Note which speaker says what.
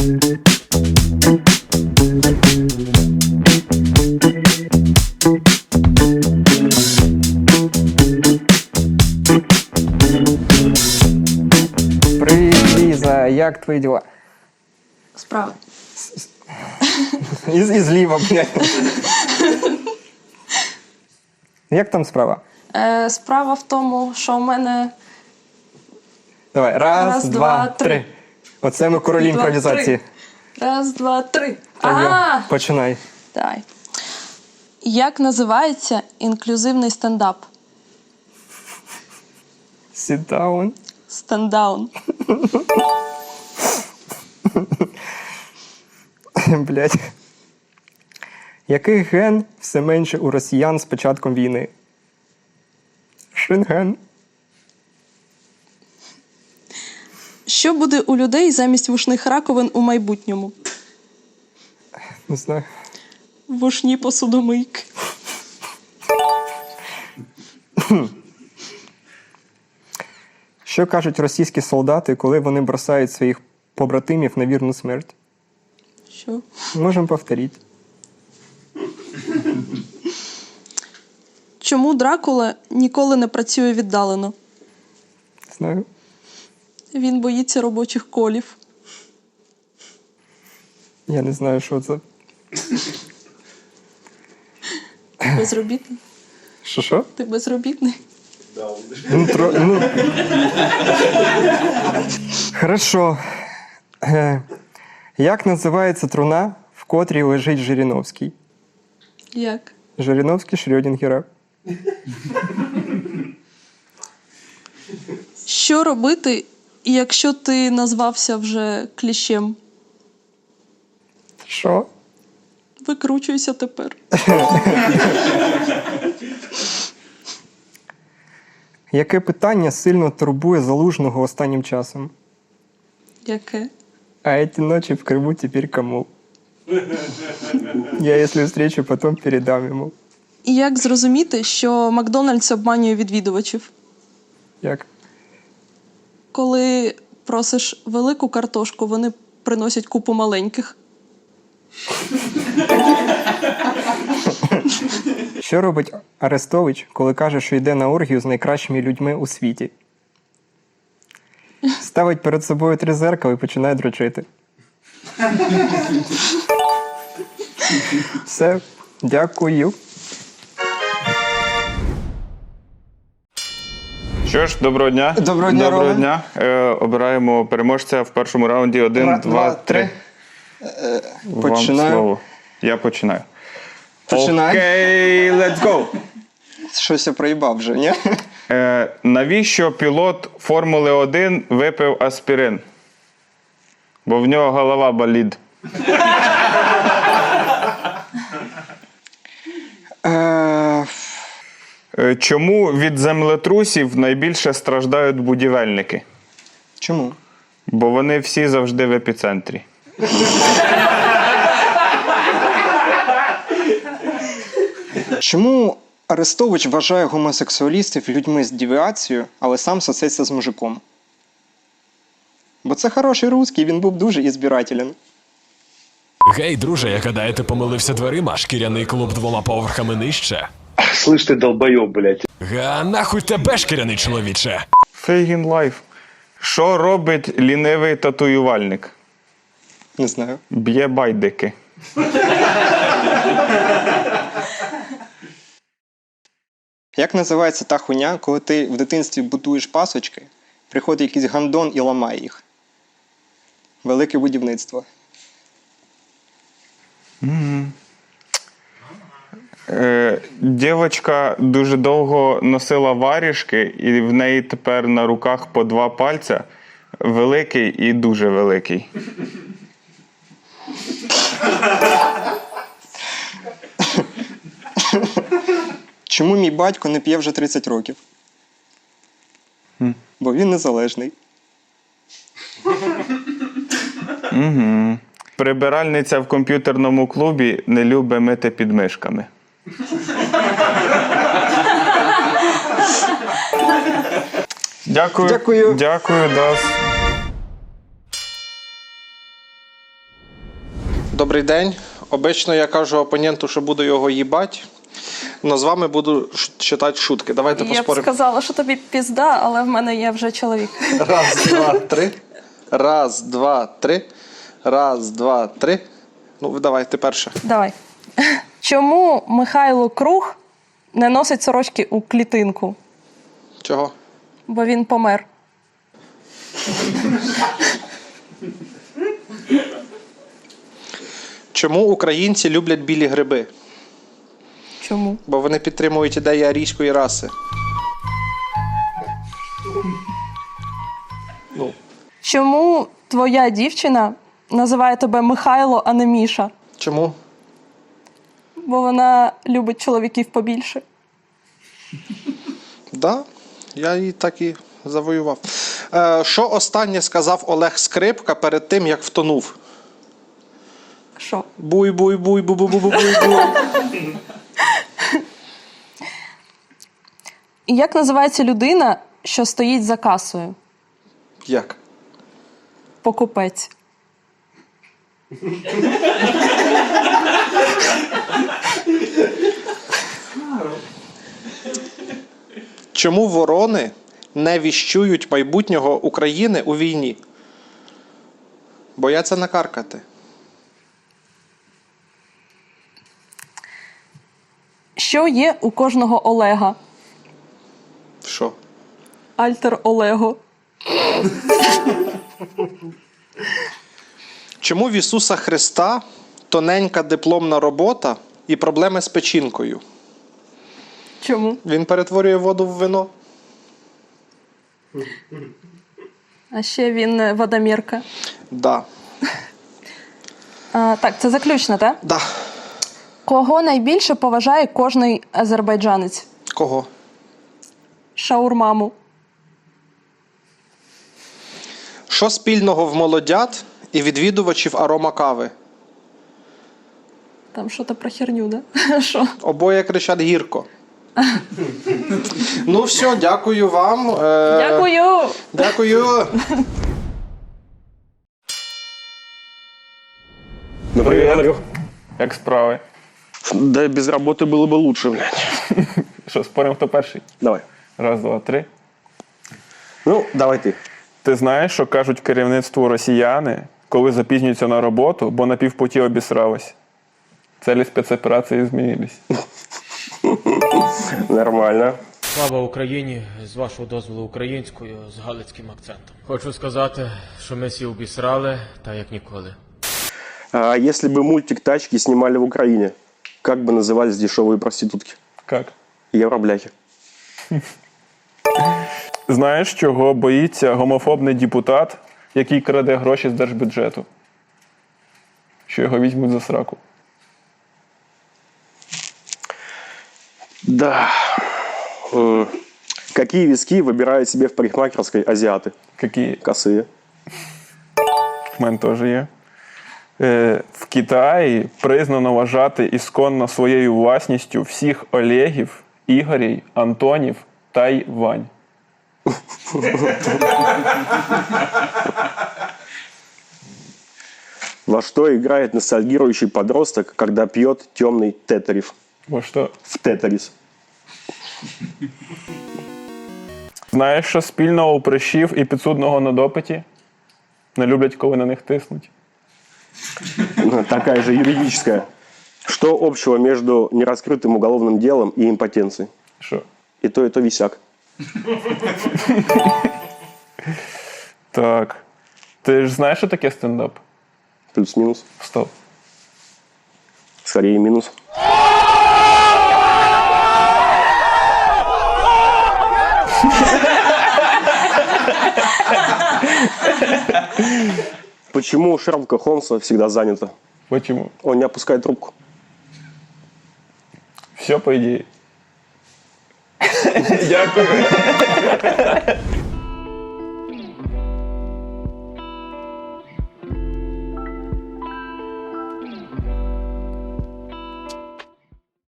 Speaker 1: Привіт, Ліза, як твої діла?
Speaker 2: Справа.
Speaker 1: І зліва, блядь. Як там справа?
Speaker 2: Справа в тому, що у мене...
Speaker 1: Давай, раз, два, три. Оце ми королі
Speaker 2: Два,
Speaker 1: імпровізації.
Speaker 2: Раз, два, три.
Speaker 1: Так, починай.
Speaker 2: Давай. Як називається інклюзивний стендап?
Speaker 1: Sit down.
Speaker 2: Стендаун.
Speaker 1: Блядь. Який ген все менше у росіян з початком війни? Шенген.
Speaker 2: Що буде у людей замість вушних раковин у майбутньому?
Speaker 1: Не знаю.
Speaker 2: Вушні посудомийки.
Speaker 1: Що кажуть російські солдати, коли вони бросають своїх побратимів на вірну смерть?
Speaker 2: Що?
Speaker 1: Можемо повторити.
Speaker 2: Чому Дракула ніколи не працює віддалено?
Speaker 1: Знаю.
Speaker 2: Він боїться робочих колів.
Speaker 1: Я не знаю, що це.
Speaker 2: Безробітний?
Speaker 1: Що?
Speaker 2: Ти безробітний?
Speaker 1: Хорошо. Як називається труна, в котрій лежить Жириновський?
Speaker 2: Як?
Speaker 1: Жириновський Шрёдінгера.
Speaker 2: Що робити, якщо ти назвався вже кліщем?
Speaker 1: Що?
Speaker 2: Викручуйся тепер.
Speaker 1: Яке питання сильно турбує Залужного останнім часом?
Speaker 2: Яке?
Speaker 1: А эти ночи в Крыму теперь кому? Я, если встречу, потом передам ему.
Speaker 2: І як зрозуміти, що Макдональдс обманює відвідувачів?
Speaker 1: Як?
Speaker 2: Коли просиш велику картошку, вони приносять купу маленьких.
Speaker 1: Що робить Арестович, коли каже, що йде на оргію з найкращими людьми у світі? Ставить перед собою 3 зеркала і починає дрочити. Все, дякую.
Speaker 3: Що ж, доброго дня.
Speaker 1: Доброго дня, Рома.
Speaker 3: дня. Обираємо переможця в першому раунді. 1, 2, 3.
Speaker 1: Починаю.
Speaker 3: Вам слово. Я починаю.
Speaker 1: Починай.
Speaker 3: Окей, let's go.
Speaker 1: Щось я проїбав вже, ні?
Speaker 3: Навіщо пілот Формули 1 випив аспірин? Бо в нього голова болить. Чому від землетрусів найбільше страждають будівельники?
Speaker 1: Чому?
Speaker 3: Бо вони всі завжди в епіцентрі.
Speaker 1: Чому Арестович вважає гомосексуалістів людьми з девіацією, але сам сосеться з мужиком? Бо це хороший русський, він був дуже ізбирателен.
Speaker 4: Гей, друже, я гадаю, ти помилився дверима, шкіряний клуб 2 поверхами нижче.
Speaker 5: Слышь ты, долбоёб, блядь.
Speaker 4: Га, нахуй тебе, шкіряний чоловіче.
Speaker 3: Фейгін лайф. Що робить лінивий татуювальник?
Speaker 1: Не знаю.
Speaker 3: Б'є байдики.
Speaker 1: Як називається та хуйня, коли ти в дитинстві будуєш пасочки, приходить якийсь гандон і ламає їх? Велике будівництво.
Speaker 3: Дівчинка дуже довго носила варіжки, і в неї тепер на руках по 2 пальця. Великий і дуже великий.
Speaker 1: Чому мій батько не п'є вже 30 років? Бо він незалежний.
Speaker 3: Прибиральниця в комп'ютерному клубі не любить мити підмишками. Дякую.
Speaker 1: Дякую.
Speaker 3: Дякую, Дас.
Speaker 6: Добрий день. Обично я кажу опоненту, що буду його їбать, але з вами буду читати шутки. Давайте
Speaker 2: Я б
Speaker 6: поспоримо.
Speaker 2: сказала, що тобі пізда, але в мене є вже чоловік.
Speaker 6: Раз, два, три. Раз, два, три. Раз, два, три. Ну, давайте перше.
Speaker 2: Давай. Чому Михайло Круг не носить сорочки у клітинку?
Speaker 6: Чого?
Speaker 2: Бо він помер.
Speaker 6: Чому українці люблять білі гриби?
Speaker 2: Чому?
Speaker 6: Бо вони підтримують ідеї арійської раси. Ну,
Speaker 2: Чому твоя дівчина називає тебе Михайло, а не Міша?
Speaker 6: чому?
Speaker 2: Бо вона любить чоловіків побільше.
Speaker 6: Да, я її так і завоював. Що останнє сказав Олег Скрипка перед тим, як втонув?
Speaker 2: Що?
Speaker 6: Буй-буй-буй, бу-бу-бу-бу-буй-буй.
Speaker 2: І як називається людина, що стоїть за касою?
Speaker 6: Як?
Speaker 2: Покупець.
Speaker 6: Чому ворони не віщують майбутнього України у війні? Бояться накаркати.
Speaker 2: Що є у кожного Олега?
Speaker 6: Що?
Speaker 2: Альтер Олего.
Speaker 6: Чому в Ісуса Христа тоненька дипломна робота і проблеми з печінкою?
Speaker 2: Чому?
Speaker 6: Він перетворює воду в вино.
Speaker 2: А ще він водомірка.
Speaker 6: Да.
Speaker 2: Так, це заключне, так?
Speaker 6: Да.
Speaker 2: Кого найбільше поважає кожний азербайджанець?
Speaker 6: Кого?
Speaker 2: Шаурмаму.
Speaker 6: Що спільного в молодят і відвідувачів арома кави?
Speaker 2: Там що то про херню, да? Що?
Speaker 6: Обоє кричать гірко. Ну все, дякую вам.
Speaker 2: Дякую!
Speaker 6: Дякую.
Speaker 5: Например, говорю.
Speaker 3: Як справи?
Speaker 5: Да без работы было бы лучше, блядь.
Speaker 3: Що, споримо, хто перший?
Speaker 5: Давай.
Speaker 3: Раз, два, три.
Speaker 5: Ну, давай ты.
Speaker 3: Ти знаєш, що кажуть керівництву росіяни, коли запізнюються на роботу, бо на півпуті обісрались? Цілі спецоперації змінились.
Speaker 5: Нормально.
Speaker 7: Слава Україні! З вашого дозволу українською, з галицьким акцентом. Хочу сказати, що ми всі обісрали, та як ніколи.
Speaker 5: А если бы мультик «Тачки» снимали в Украине, как бы назывались дешевые проститутки?
Speaker 3: Як?
Speaker 5: Евробляхи.
Speaker 3: Знаєш, чого боїться гомофобний депутат, який краде гроші з держбюджету? Що його візьмуть за сраку.
Speaker 5: Да. Какие виски выбирают себе в парикмахерской азиаты?
Speaker 3: Які
Speaker 5: Косые.
Speaker 3: в мене теж є. В Китаї признано вважати ісконно своєю власністю всіх Олегів, Ігорів, Антонів та й Вань.
Speaker 5: Во что играет ностальгирующий подросток, когда пьет темный тетерев?
Speaker 3: Бо що?
Speaker 5: В тетерис.
Speaker 3: Знаєш, що спільного у прищів і підсудного на допиті? Не люблять, коли на них тиснуть.
Speaker 5: Такая же юридическая. Что общего между нераскрытым уголовным делом и импотенцией?
Speaker 3: Що?
Speaker 5: И то висяк.
Speaker 3: Так. Ти ж знаєш, що таке стендап?
Speaker 5: Плюс-минус.
Speaker 3: Стоп.
Speaker 5: Скорее минус. Почему у Шерлока Холмса всегда занято?
Speaker 3: Почему?
Speaker 5: Он не опускает трубку.
Speaker 3: Все по ідеї. Дякую.